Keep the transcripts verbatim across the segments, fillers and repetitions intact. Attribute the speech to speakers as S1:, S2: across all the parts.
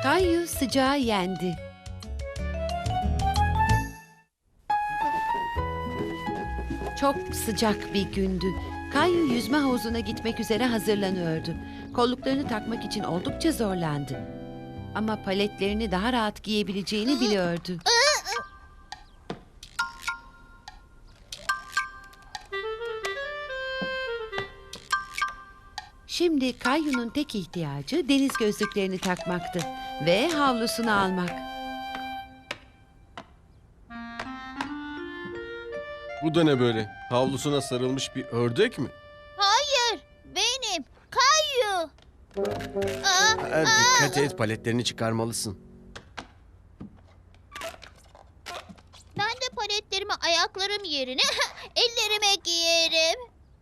S1: Kayu sıcağı yendi. Çok sıcak bir gündü. Kayu yüzme havuzuna gitmek üzere hazırlanıyordu. Kolluklarını takmak için oldukça zorlandı. Ama paletlerini daha rahat giyebileceğini biliyordu. Şimdi Kayu'nun tek ihtiyacı deniz gözlüklerini takmaktı ve havlusunu almak.
S2: Bu da ne böyle? Havlusuna sarılmış bir ördek mi?
S3: Hayır, benim. Kayu. Aa,
S2: Ha, dikkat et, paletlerini çıkarmalısın.
S3: ben de paletlerimi ayaklarım yerine ellerime giyerim.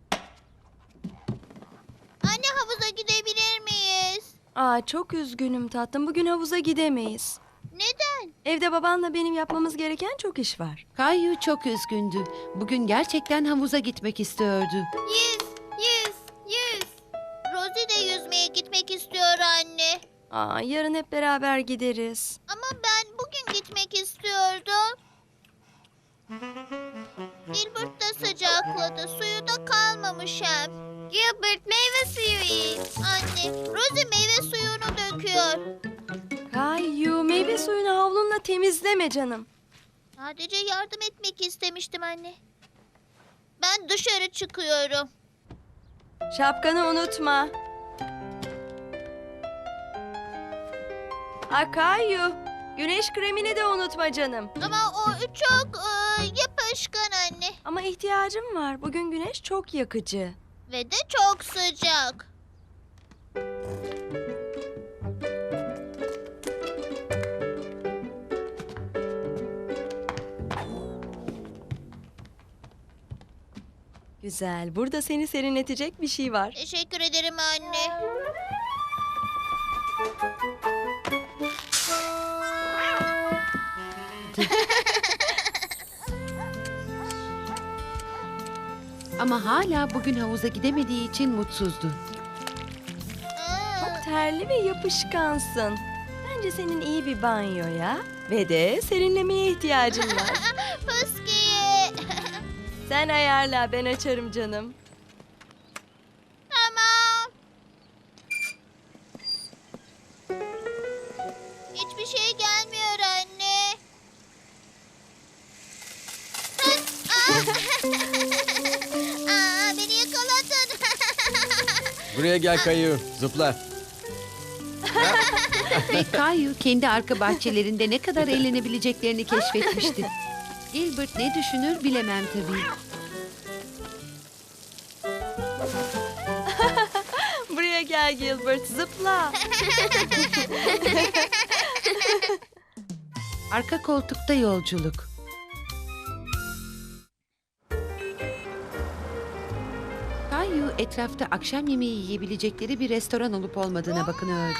S3: Anne, havuza gidebilir miyiz?
S4: Aa, çok üzgünüm tatlım. Bugün havuza gidemeyiz.
S3: Neden?
S4: Evde babanla benim yapmamız gereken çok iş var.
S1: Kayu çok üzgündü. Bugün gerçekten havuza gitmek istiyordu.
S3: Yüz, yüz, yüz. Rosie de yüzmeye gitmek istiyor anne.
S4: Aa, yarın hep beraber gideriz.
S3: Ama ben bugün gitmek istiyordum. Gilbert da sıcakladı. Suyu da kalmamış hem. Gilbert, meyve suyu iç. Anne, Rosie meyve suyunu döküyor.
S4: Kayu, meyve suyunu havlunla temizleme canım.
S3: Sadece yardım etmek istemiştim anne. Ben dışarı çıkıyorum.
S4: Şapkanı unutma. Aa, Kayu, güneş kremini de unutma canım.
S3: Ama o çok e, yapışkan anne.
S4: Ama ihtiyacım var. Bugün güneş çok yakıcı.
S3: Ve de çok sıcak.
S4: Güzel. Burada seni serinletecek bir şey var.
S3: Teşekkür ederim anne.
S1: Ama hala bugün havuza gidemediği için mutsuzdu.
S3: Aa,
S4: Terli ve yapışkansın. Bence senin iyi bir banyoya ve de serinlemeye ihtiyacın var.
S3: Fıskiye.
S4: Sen ayarla, ben açarım canım.
S3: Tamam. Hiçbir şey gelmiyor anne. Aa, beni yakaladın.
S2: Buraya gel Kayu, zıpla.
S1: Ve Kayu kendi arka bahçelerinde ne kadar eğlenebileceklerini keşfetmişti. Gilbert ne düşünür bilemem tabii.
S4: Buraya gel Gilbert, zıpla.
S1: Arka koltukta yolculuk. Kayu etrafta akşam yemeği yiyebilecekleri bir restoran olup olmadığına bakınıyordu.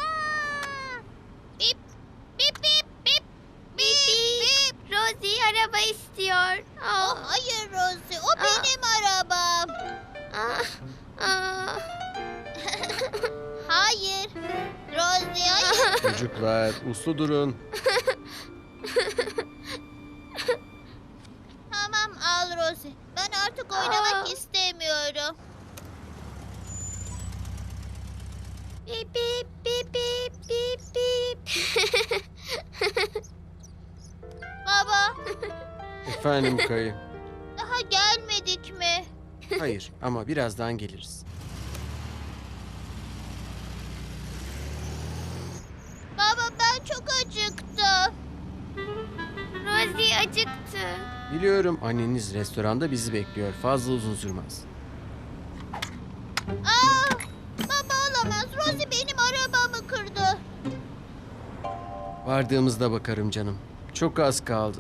S3: Bip, bip, bip, bip, bip, bip. Rosie araba istiyor. Oh, hayır Rosie, o benim arabam. Hayır. Rosie, hayır.
S2: Çocuklar, uslu durun.
S3: Tamam, al Rosie. Ben artık oynamak istemiyorum. Bip, bip, bip, bip, bip, bip. Baba,
S2: Efendim Kayu.
S3: daha gelmedik mi?
S2: Hayır ama birazdan geliriz.
S3: Baba, ben çok acıktım. Rosie acıktı.
S2: Biliyorum, anneniz restoranda bizi bekliyor. Fazla uzun sürmez.
S3: Aa, baba olamaz. Rosie benim arabamı kırdı.
S2: Vardığımızda bakarım canım. Çok az kaldı.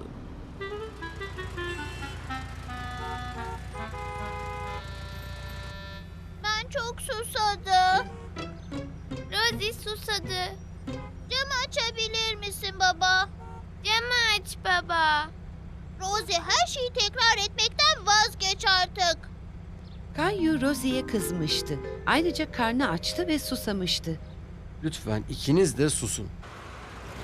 S3: Ben çok susadım. Rosie susadı. Camı açabilir misin baba? Camı aç baba. Rosie, her şeyi tekrar etmekten vazgeç artık.
S1: Kayu Rosie'ye kızmıştı. Ayrıca karnı açtı ve susamıştı.
S2: Lütfen ikiniz de susun.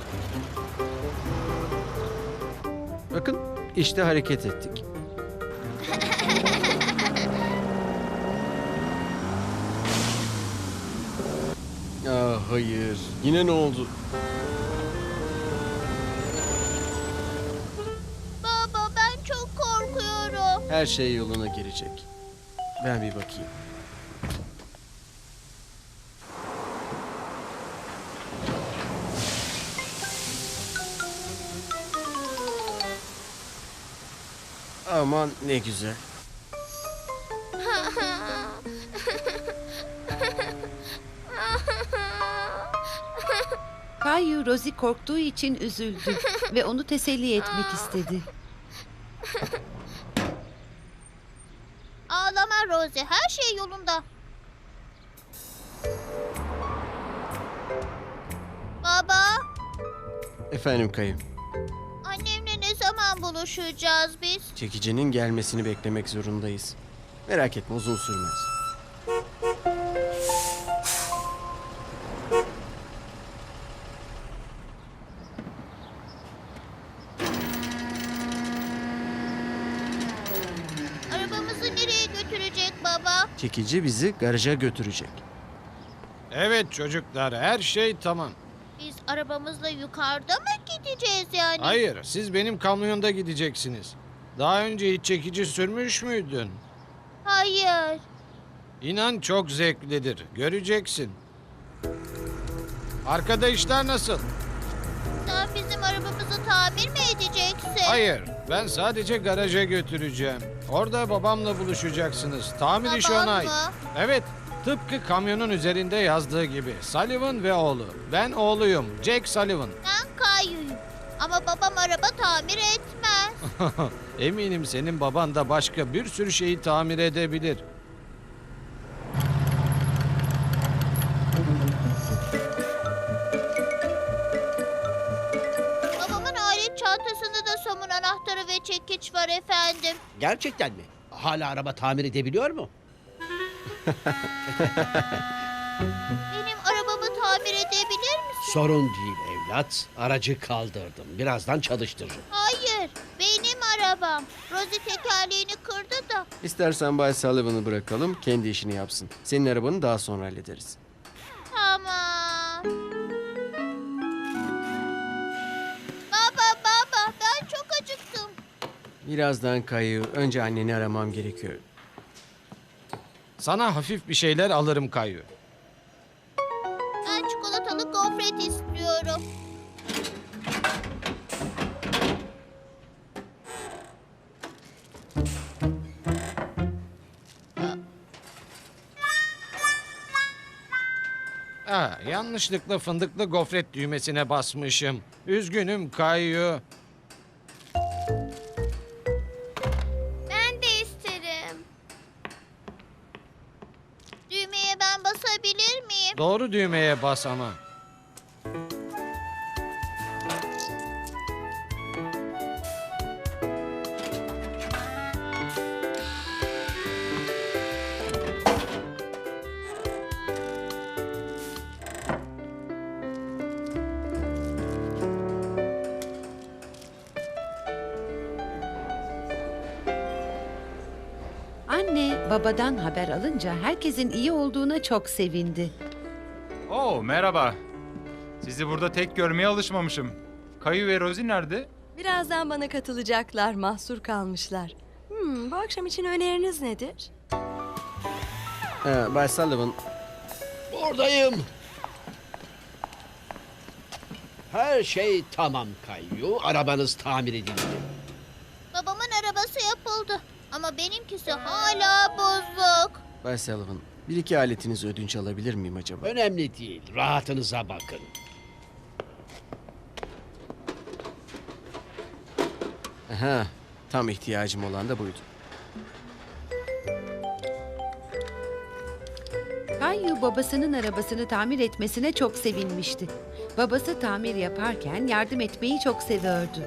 S2: Bakın işte hareket ettik. Aa, hayır. Yine ne oldu?
S3: Baba ben çok korkuyorum.
S2: Her şey yoluna girecek. Ben bir bakayım. Aman ne güzel.
S1: Kayu Rosie korktuğu için üzüldü ve onu teselli etmek istedi.
S3: Ağlama Rosie, her şey yolunda. Baba,
S2: Efendim Kayı.
S3: annemle ne zaman buluşacağız biz?
S2: Çekicinin gelmesini beklemek zorundayız. Merak etme uzun sürmez.
S3: Arabamızı nereye götürecek baba?
S2: Çekici bizi garaja götürecek.
S5: Evet çocuklar, her şey tamam.
S3: Biz arabamızla yukarıda mı gideceğiz yani?
S5: Hayır, siz benim kamyonda gideceksiniz. Daha önce hiç çekici sürmüş müydün?
S3: Hayır.
S5: İnan çok zevklidir, göreceksin. Arkada işler nasıl?
S3: Sen bizim arabamızı tamir mi edeceksin?
S5: Hayır, ben sadece garaja götüreceğim. Orada babamla buluşacaksınız. Tamir işi
S3: Baban
S5: ona ait.
S3: mı?
S5: Evet, tıpkı kamyonun üzerinde yazdığı gibi. Sullivan ve oğlu. Ben oğluyum, Jack Sullivan.
S3: Ben Kayu'yum. Ama babam araba tamir etmez.
S5: Eminim senin baban da başka bir sürü şeyi tamir edebilir.
S3: Babamın alet çantasında da somun anahtarı ve çekiç var efendim.
S6: Gerçekten mi? Hala araba tamir edebiliyor mu?
S3: Benim arabamı tamir edebilir misin?
S6: Sorun değil evlat. Aracı kaldırdım. Birazdan çalıştırırım.
S3: Hayır, benim arabam. Rosie tekerleğini kırdı da.
S2: İstersen Bay Sullivan'ı bırakalım, kendi işini yapsın. Senin arabanı daha sonra hallederiz.
S3: Tamam. Baba baba ben çok acıktım.
S2: Birazdan Kayı, önce anneni aramam gerekiyor.
S5: Sana hafif bir şeyler alırım Kayu.
S3: Ben çikolatalı gofret istiyorum.
S5: Ha, yanlışlıkla fındıklı gofret düğmesine basmışım. Üzgünüm Kayu.
S3: Ben de isterim. Düğmeye ben basabilir miyim?
S5: Doğru düğmeye bas ama.
S1: Anne babadan haber alınca herkesin iyi olduğuna çok sevindi.
S7: Oo merhaba. Sizi burada tek görmeye alışmamışım. Kayu ve Rosie nerede?
S4: Birazdan bana katılacaklar, mahsur kalmışlar. Hmm, bu akşam için öneriniz nedir?
S2: Ee, Bay Sullivan,
S6: Buradayım. Her şey tamam Kayyu. Arabanız tamir edildi.
S3: Babamın arabası yapıldı. Ama benimkisi hala bozuk.
S2: Bay Sullivan, bir iki aletinizi ödünç alabilir miyim acaba?
S6: Önemli değil. Rahatınıza bakın.
S2: Aha, tam ihtiyacım olan da buydu.
S1: Kayu babasının arabasını tamir etmesine çok sevinmişti. Babası tamir yaparken yardım etmeyi çok seviyordu.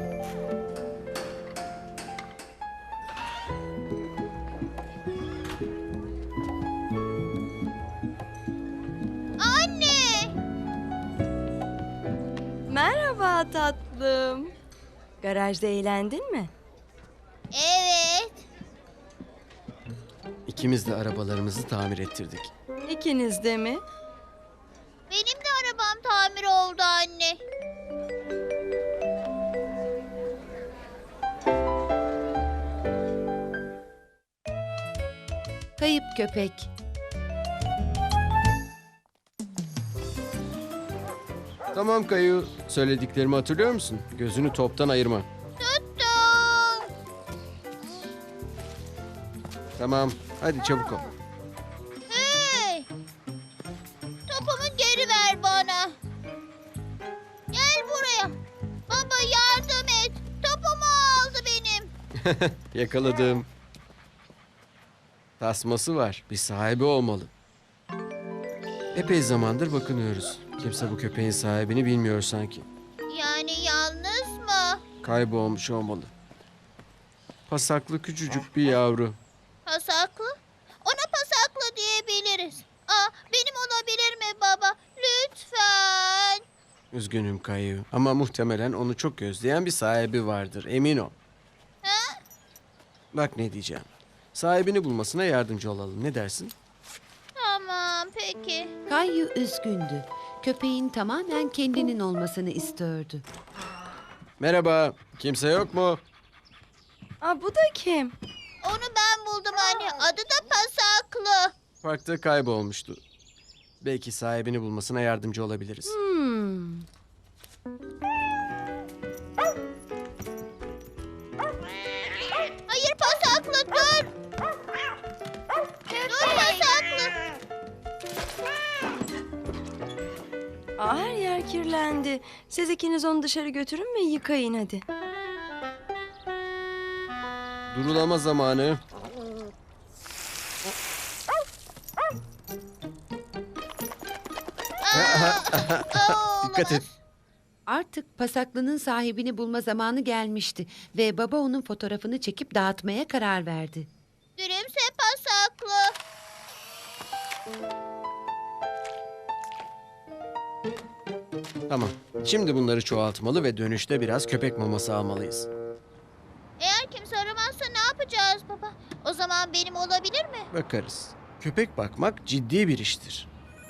S3: Anne!
S4: Merhaba tatlım. Garajda eğlendin mi?
S3: Evet.
S2: İkimiz de arabalarımızı tamir ettirdik.
S4: İkiniz de mi?
S3: Benim de arabam tamir oldu anne.
S1: Kayıp köpek.
S2: Tamam Kayu, söylediklerimi hatırlıyor musun? Gözünü toptan ayırma.
S3: Tuttum.
S2: Tamam, hadi çabuk ol.
S3: Hey! Topumu geri ver bana. Gel buraya. Baba yardım et. Topumu aldı benim.
S2: Yakaladım. Tasması var, bir sahibi olmalı. Epey zamandır bakınıyoruz. Kimse bu köpeğin sahibini bilmiyor sanki.
S3: Yani yalnız mı?
S2: Kaybolmuş olmalı. Pasaklı küçücük bir yavru.
S3: Pasaklı? Ona pasaklı diyebiliriz. Aa, benim olabilir mi baba? Lütfen.
S2: Üzgünüm Kayu ama muhtemelen onu çok özleyen bir sahibi vardır, emin ol.
S3: Ha?
S2: Bak ne diyeceğim. Sahibini bulmasına yardımcı olalım, ne dersin?
S3: Tamam peki.
S1: Kayu üzgündü. Köpeğin tamamen kendinin olmasını istiyordu.
S2: Merhaba, kimse yok mu?
S4: Aa, bu da kim?
S3: Onu ben buldum anne. Adı da pasaklı.
S2: Parkta kaybolmuştu. Belki sahibini bulmasına yardımcı olabiliriz.
S4: Hmm.
S3: Hayır pasaklı dur. Dur pasaklı.
S4: Aa, her yer kirlendi. Siz ikiniz onu dışarı götürün ve yıkayın hadi.
S2: Durulama zamanı.
S3: Aa,
S2: Dikkat et.
S1: Artık pasaklının sahibini bulma zamanı gelmişti ve baba onun fotoğrafını çekip dağıtmaya karar verdi.
S3: Gülümse pasaklı.
S2: Tamam. Şimdi bunları çoğaltmalı ve dönüşte biraz köpek maması almalıyız.
S3: Eğer kimse aramazsa ne yapacağız baba? O zaman benim olabilir mi?
S2: Bakarız. Köpek bakmak ciddi bir iştir.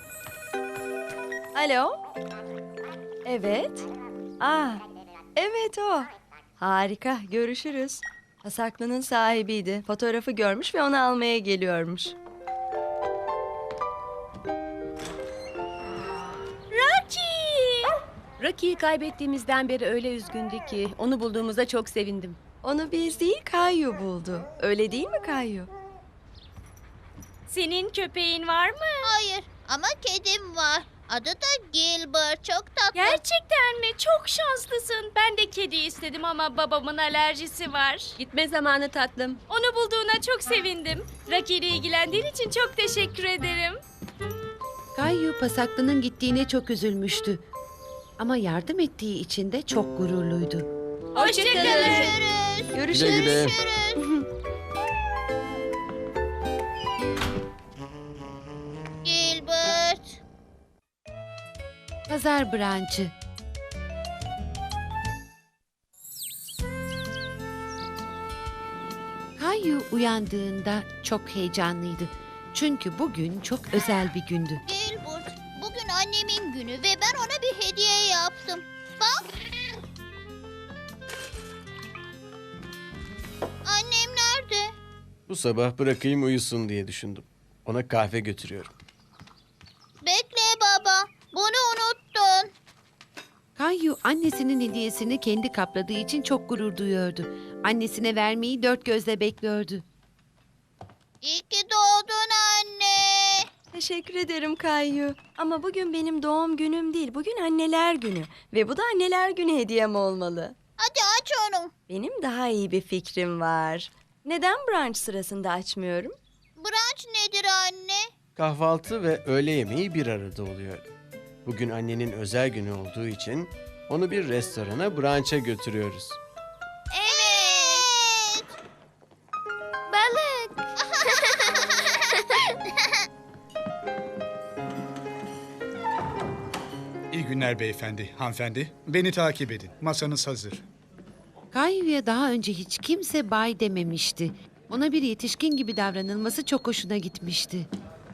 S4: Alo? Evet. Aa, evet o. Harika, görüşürüz. Pasaklının sahibiydi. Fotoğrafı görmüş ve onu almaya geliyormuş.
S8: Rocky'yi kaybettiğimizden beri öyle üzgündü ki onu bulduğumuza çok sevindim.
S4: Onu biz değil, Kayu buldu. Öyle değil mi Kayu?
S8: Senin köpeğin var mı?
S3: Hayır ama kedim var. Adı da Gilbert. Çok tatlı.
S8: Gerçekten mi? Çok şanslısın. Ben de kedi istedim ama babamın alerjisi var. Gitme zamanı tatlım. Onu bulduğuna çok sevindim. Rocky ile ilgilendiğin için çok teşekkür ederim.
S1: Kayu pasaklının gittiğine çok üzülmüştü. Ama yardım ettiği için de çok gururluydu.
S8: Hoşçakalın.
S3: Görüşürüz.
S4: Görüşürüz.
S2: Güle güle.
S3: Görüşürüz. Gilbert.
S1: Pazar branşı. Kayu uyandığında çok heyecanlıydı. Çünkü bugün çok özel bir gündü.
S3: Gilbert. Bugün annemin günü ve ben ona bir hediye yaptım. Bak. Annem nerede?
S2: Bu sabah bırakayım uyusun diye düşündüm. Ona kahve götürüyorum.
S3: Bekle baba. Bunu unuttun.
S1: Kayu annesinin hediyesini kendi kapladığı için çok gurur duyuyordu. Annesine vermeyi dört gözle bekliyordu.
S3: İyi ki doğdun anne.
S4: Teşekkür ederim Kayu. Ama bugün benim doğum günüm değil. Bugün anneler günü. Ve bu da anneler günü hediyem olmalı.
S3: Hadi aç onu.
S4: Benim daha iyi bir fikrim var. Neden brunch sırasında açmıyorum?
S3: Brunch nedir anne?
S2: Kahvaltı ve öğle yemeği bir arada oluyor. Bugün annenin özel günü olduğu için onu bir restorana brunch'a götürüyoruz.
S3: Evet. Balık.
S9: İyi günler günler beyefendi, hanımefendi. Beni takip edin. Masanız hazır.
S1: Kayyu'ya daha önce hiç kimse bay dememişti. Ona bir yetişkin gibi davranılması çok hoşuna gitmişti.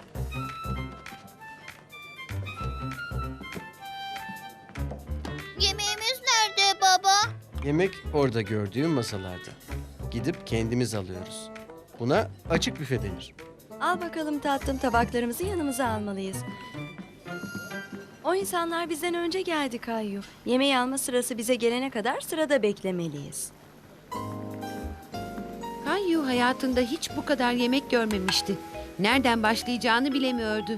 S3: Yemeğimiz nerede baba?
S2: Yemek orada gördüğüm masalarda. Gidip kendimiz alıyoruz. Buna açık büfe denir.
S4: Al bakalım tatlım, tabaklarımızı yanımıza almalıyız. O insanlar bizden önce geldi Kayyu. Yemeği alma sırası bize gelene kadar sırada beklemeliyiz.
S1: Kayyu hayatında hiç bu kadar yemek görmemişti. Nereden başlayacağını bilemiyordu.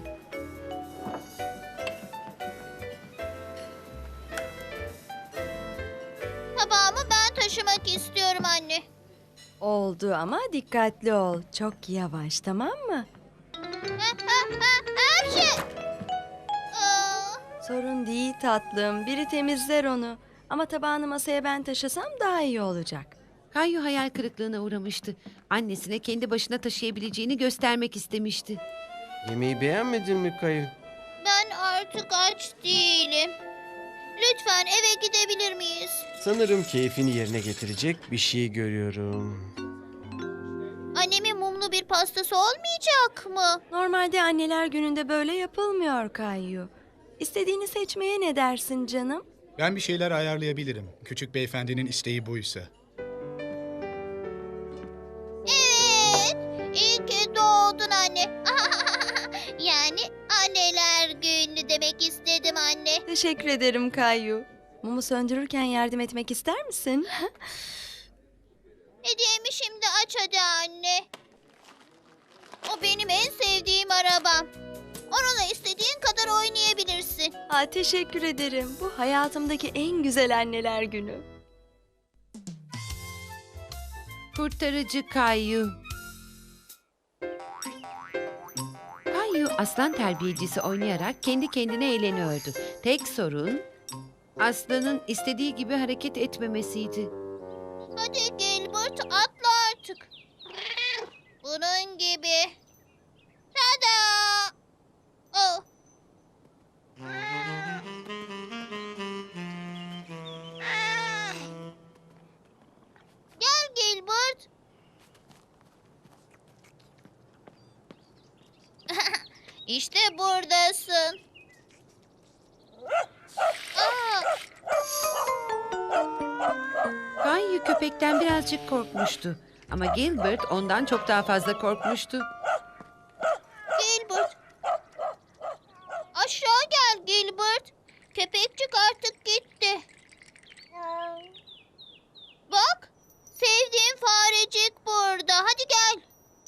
S3: Tabağımı ben taşımak istiyorum anne.
S4: Oldu ama dikkatli ol. Çok yavaş, tamam mı?
S3: Ha, ha, ha, her şey. Aa,
S4: Sorun değil tatlım. Biri temizler onu. Ama tabağını masaya ben taşısam daha iyi olacak.
S1: Kayyu hayal kırıklığına uğramıştı. Annesine kendi başına taşıyabileceğini göstermek istemişti.
S2: Yemeği beğenmedin mi Kayu?
S3: ben artık aç değilim. Lütfen eve gidebilir miyiz?
S2: Sanırım keyfini yerine getirecek bir şey görüyorum.
S3: Annemin mumlu bir pastası olmayacak mı?
S4: Normalde anneler gününde böyle yapılmıyor Kayyu. İstediğini seçmeye ne dersin canım?
S9: Ben bir şeyler ayarlayabilirim. Küçük beyefendinin isteği buysa.
S3: Evet. İyi ki doğdun anne. Yani anneler günü demek istedim anne.
S4: Teşekkür ederim Kayyu. Mumu söndürürken yardım etmek ister misin?
S3: Hediyemi şimdi aç hadi anne. O benim en sevdiğim arabam. Onunla istediğin kadar oynayabilirsin.
S4: Aa, teşekkür ederim. Bu hayatımdaki en güzel anneler günü.
S1: Kurtarıcı Kayyu. Kayyu aslan terbiyecisi oynayarak kendi kendine eğleniyordu. Tek sorun aslanın istediği gibi hareket etmemesiydi.
S3: Hadi Gilbert atla artık. Bunun gibi. Tada! Oh. Gel Gilbert. İşte buradasın. Aa,
S1: Kayyu köpekten birazcık korkmuştu. Ama Gilbert ondan çok daha fazla korkmuştu.
S3: Gilbert. Aşağı gel Gilbert. Köpekçik artık gitti. Bak, sevdiğim farecik burada. Hadi gel.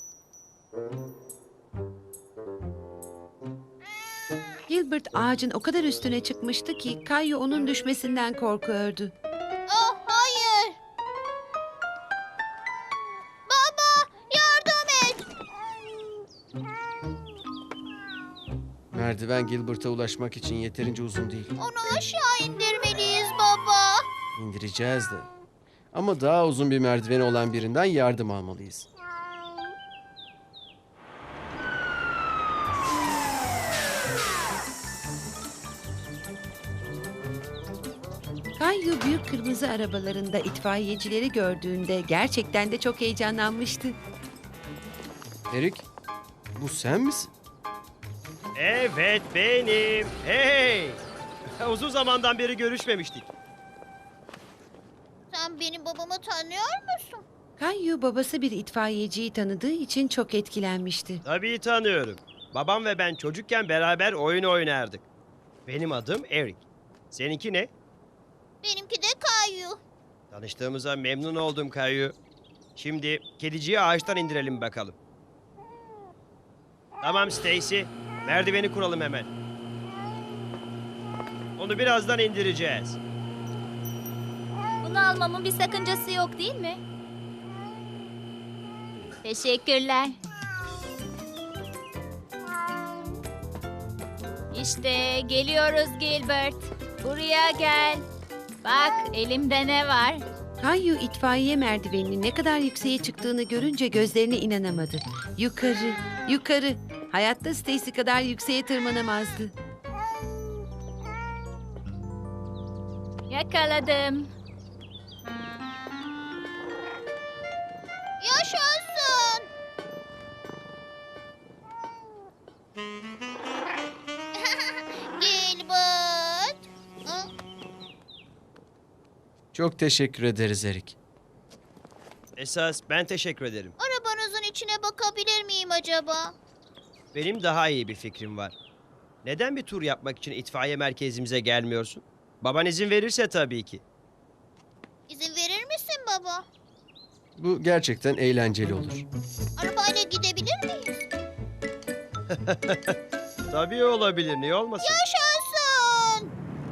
S1: Gilbert ağacın o kadar üstüne çıkmıştı ki Kayyu onun düşmesinden korkuyordu.
S3: Oh, hayır. Baba, yardım et.
S2: Merdiven Gilbert'a ulaşmak için yeterince uzun değil.
S3: Onu aşağı indirmeliyiz baba.
S2: İndireceğiz de. Ama daha uzun bir merdiveni olan birinden yardım almalıyız.
S1: Kayyu büyük kırmızı arabalarında itfaiyecileri gördüğünde gerçekten de çok heyecanlanmıştı.
S2: Erik, bu sen misin?
S10: Evet benim. Hey! Uzun zamandan beri görüşmemiştik.
S3: Sen benim babamı tanıyor musun?
S1: Kayyu babası bir itfaiyeciyi tanıdığı için çok etkilenmişti.
S10: Tabii tanıyorum. Babam ve ben çocukken beraber oyun oynardık. Benim adım Eric. Seninki ne?
S3: Benimki de Kayu.
S10: Tanıştığımıza memnun oldum Kayu. Şimdi kediciyi ağaçtan indirelim bakalım. Tamam Stacy. Merdiveni kuralım hemen. Onu birazdan indireceğiz.
S8: Bunu almamın bir sakıncası yok değil mi? Teşekkürler. İşte geliyoruz Gilbert. Buraya gel. Bak elimde ne var?
S1: Kayyu itfaiye merdiveninin ne kadar yükseğe çıktığını görünce gözlerine inanamadı. Yukarı, yukarı. Hayatta Stacy kadar yükseğe tırmanamazdı.
S8: Yakaladım.
S3: Yaşasın. Gilbert. Hı?
S2: Çok teşekkür ederiz Erik.
S10: Esas ben teşekkür ederim.
S3: Arabanızın içine bakabilir miyim acaba?
S10: Benim daha iyi bir fikrim var. Neden bir tur yapmak için itfaiye merkezimize gelmiyorsun? Baban izin verirse tabii ki.
S3: İzin verir misin baba?
S2: Bu gerçekten eğlenceli olur.
S3: Arabayla gidebilir miyiz?
S10: Tabii olabilir, niye olmasın?
S3: Yaşasın.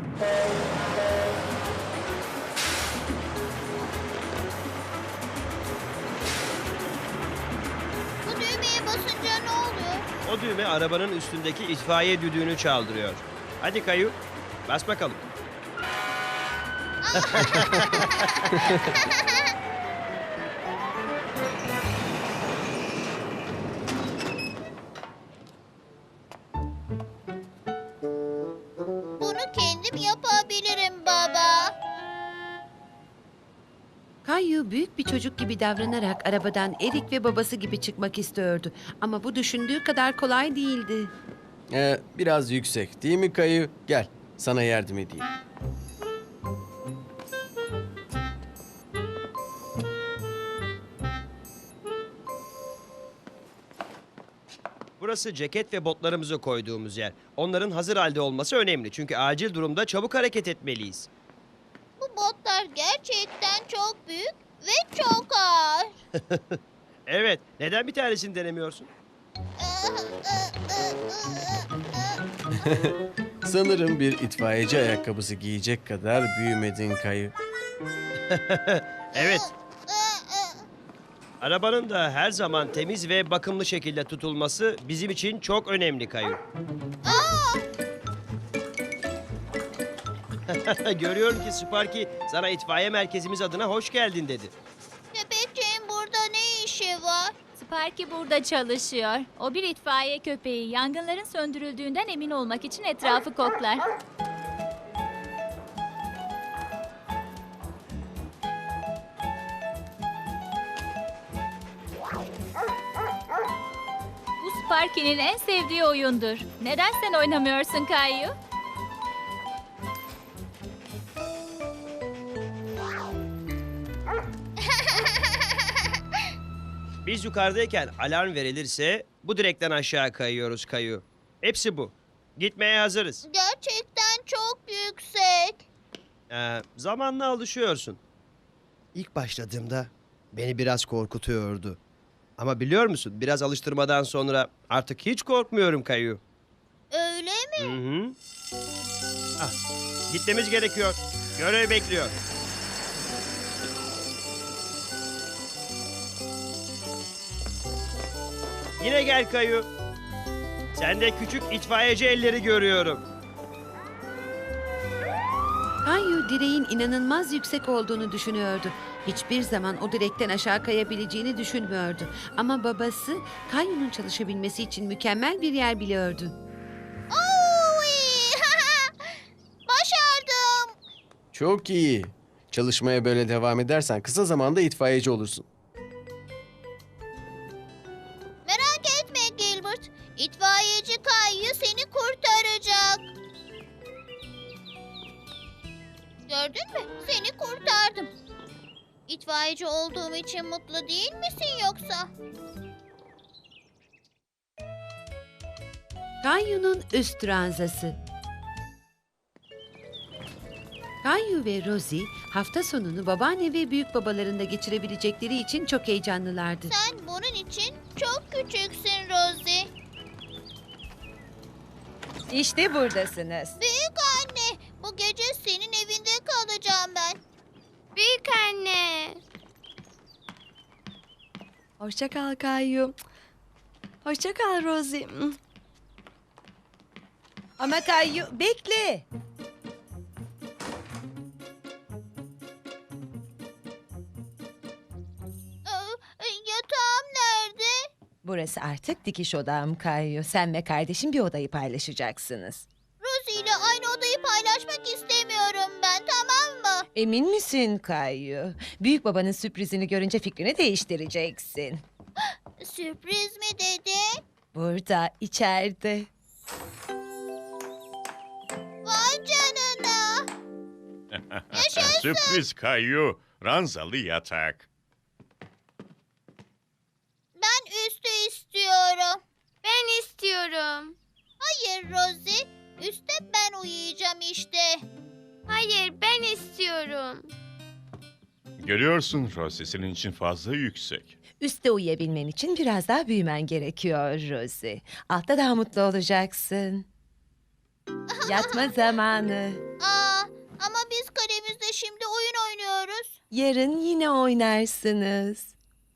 S3: Bu düğmeye basınca ne oluyor?
S10: O düğme arabanın üstündeki itfaiye düdüğünü çaldırıyor. Hadi Kayu, bas bakalım.
S3: Bunu kendim yapabilirim baba.
S1: Kayu büyük bir çocuk gibi davranarak arabadan Erik ve babası gibi çıkmak istiyordu. Ama bu düşündüğü kadar kolay değildi.
S2: Ee, biraz yüksek değil mi Kayu? Gel sana yardım edeyim.
S10: Burası ceket ve botlarımızı koyduğumuz yer. Onların hazır halde olması önemli çünkü acil durumda çabuk hareket etmeliyiz.
S3: Bu botlar gerçekten çok büyük ve çok ağır.
S10: Evet, neden bir tanesini denemiyorsun?
S2: Sanırım bir itfaiyeci ayakkabısı giyecek kadar büyümedin Kayu.
S10: Evet. Arabanın da her zaman temiz ve bakımlı şekilde tutulması bizim için çok önemli Kayu. Görüyorum ki Sparky sana itfaiye merkezimiz adına hoş geldin dedi.
S3: Köpekçiğin burada ne işi var?
S8: Sparky burada çalışıyor. O bir itfaiye köpeği. Yangınların söndürüldüğünden emin olmak için etrafı koklar. Bu Sparky'nin en sevdiği oyundur. Neden sen oynamıyorsun Kayu?
S10: Biz yukarıdayken alarm verilirse bu direkten aşağı kayıyoruz Kayu. Hepsi bu. Gitmeye hazırız.
S3: Gerçekten çok yüksek.
S10: Ee, zamanla alışıyorsun. İlk başladığımda beni biraz korkutuyordu. Ama biliyor musun biraz alıştırmadan sonra artık hiç korkmuyorum Kayu.
S3: Öyle mi?
S10: Hı hı. Ah, gitmemiz gerekiyor. Görev bekliyor. Yine gel Kayu. Sende küçük itfaiyeci elleri görüyorum.
S1: Kayu direğin inanılmaz yüksek olduğunu düşünüyordu. Hiçbir zaman o direkten aşağı kayabileceğini düşünmüyordu. Ama babası Kayu'nun çalışabilmesi için mükemmel bir yer biliyordu.
S3: Oy! Başardım.
S2: Çok iyi. Çalışmaya böyle devam edersen kısa zamanda itfaiyeci olursun.
S3: Merak etme Gilbert. İtfaiyeci Kayu seni kurtaracak. Gördün mü? Seni kurtardım. İtfaiyeci olduğum için mutlu değil misin yoksa?
S1: Kayu'nun üst ranzası. Kayu ve Rosie hafta sonunu babaanne ve büyük babalarında geçirebilecekleri için çok heyecanlılardı.
S3: Sen bunun için çok küçüksün Rosie.
S4: İşte buradasınız.
S3: Büyük anne, bu gece senin evinde kalacağım ben. Büyük anne.
S4: Hoşça kal Kayu. Hoşça kal Rosie.
S11: Ama Kayu bekle.
S3: Ee, Yatağım nerede?
S11: Burası artık dikiş odam Kayu. Sen ve kardeşin bir odayı paylaşacaksınız.
S3: Rosie ile aynı odayı paylaşmak istemiyorum ben, tamam mı?
S11: Emin misin Kayu? Büyük babanın sürprizini görünce fikrini değiştireceksin.
S3: Sürpriz mi dedi?
S11: Burada, içeride.
S3: Vay canına.
S12: Sürpriz Kayu. Ranzalı yatak.
S3: Ben üstü istiyorum.
S8: Ben istiyorum.
S3: Hayır Rosie. Üstte ben uyuyacağım işte.
S8: Hayır, ben istiyorum.
S12: Görüyorsun Rosie, senin için fazla yüksek.
S11: Üste uyuyabilmen için biraz daha büyümen gerekiyor Rosie. Altta daha mutlu olacaksın. Yatma zamanı.
S3: Aa, ama biz kalemizde şimdi oyun oynuyoruz.
S11: Yarın yine oynarsınız.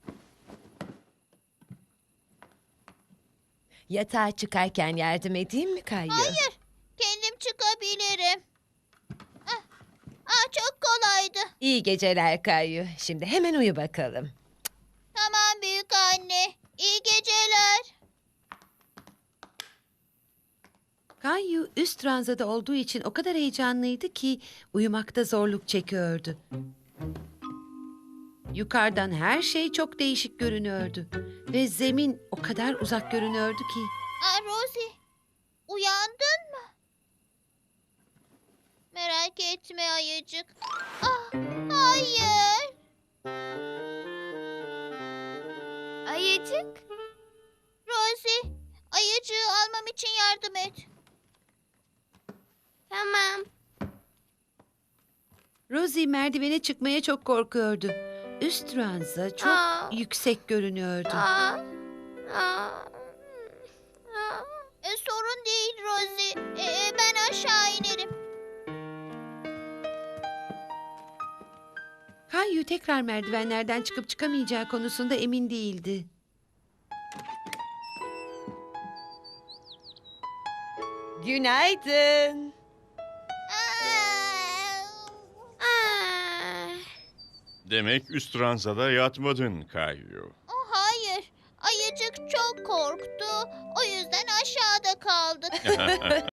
S11: Yatağa çıkarken yardım edeyim mi Kayu?
S3: Hayır, kendim çıkabilirim. Ah, ah, çok kolaydı.
S11: İyi geceler Kayu. Şimdi hemen uyu bakalım.
S3: Tamam büyük anne. İyi geceler.
S1: Kayu üst ranzada olduğu için o kadar heyecanlıydı ki uyumakta zorluk çekiyordu. Yukarıdan her şey çok değişik görünüyordu ve zemin o kadar uzak görünüyordu ki.
S3: Aa, Rosie, uyandın mı? Merak etme ayıcık. Ah, hayır.
S8: Ayıcık.
S3: Rosie, ayıcığı almam için yardım et.
S8: Tamam.
S1: Rosie merdivene çıkmaya çok korkuyordu. Üst ranza çok
S8: Aa.
S1: yüksek görünüyordu.
S8: Aa, aa, aa.
S3: E, sorun değil Rosie. E, e, ben aşağı inerim.
S1: Kayu tekrar merdivenlerden çıkıp çıkamayacağı konusunda emin değildi.
S11: Günaydın.
S3: Aa,
S8: Aa.
S12: Demek üst ranzada yatmadın Kayu.
S3: oh, hayır. Ayıcık çok korktu. O yüzden aşağıda kaldık.